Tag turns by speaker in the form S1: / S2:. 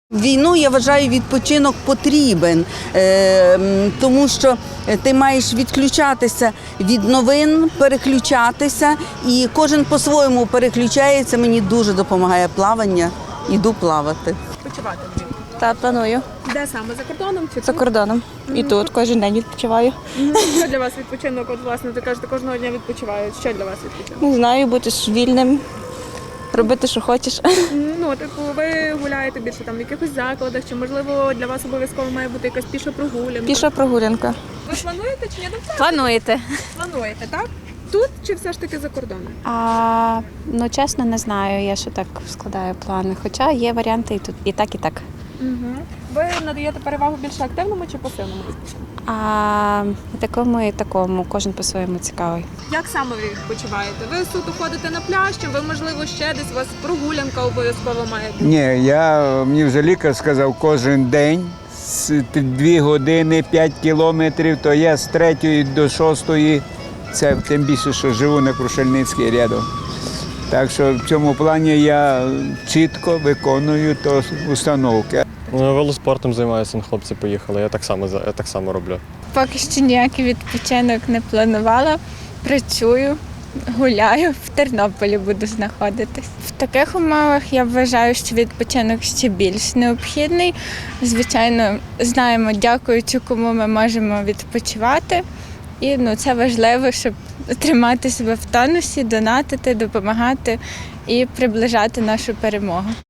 S1: Війну, я вважаю, відпочинок потрібен, тому що ти маєш відключатися від новин, переключатися, і кожен по-своєму переключається. Мені дуже допомагає плавання, іду плавати.
S2: Відпочивати влітку?
S3: Та планую.
S2: Де саме? За кордоном чи
S3: За
S2: тут?
S3: кордоном. І тут кожен день відпочиваю.
S2: Що для вас відпочинок? От, власне, ти кажете, кожного дня відпочивають. Що для вас відпочинок?
S3: Не знаю, бути ж вільним, робити, що хочеш.
S2: Ну, типу, ви гуляєте більше там в якихось закладах, чи, можливо, для вас обов'язково має бути якась піша прогулянка?
S3: Піша прогулянка.
S2: Ви плануєте чи ні?
S4: Плануєте?
S2: Плануєте, так? Тут чи все ж таки за кордоном?
S4: Ну, чесно, не знаю, я ще так складаю плани. Хоча є варіанти і тут, і так, і так.
S2: Ви надаєте перевагу більше активному чи пасивному відпочинку?
S4: І такому, і такому, кожен по-своєму цікавий.
S2: Як саме ви відпочиваєте? Ви суто ходите на пляж, чи ви, можливо, ще десь у вас прогулянка обов'язково має бути?
S5: Ні, мені вже лікар сказав, кожен день з 2 години 5 кілометрів, то я з 3 до 6, це тим більше, що живу на Крушельницькій рядом. Так що в цьому плані я чітко виконую то установки.
S6: Велоспортом займаюся, хлопці поїхали, я так само роблю.
S7: Поки що ніякий відпочинок не планувала. Працюю, гуляю, в Тернополі буду знаходитись. В таких умовах я вважаю, що відпочинок ще більш необхідний. Звичайно, знаємо, дякуючи кому ми можемо відпочивати. І це важливо, щоб тримати себе в тонусі, донатити, допомагати і приближати нашу перемогу.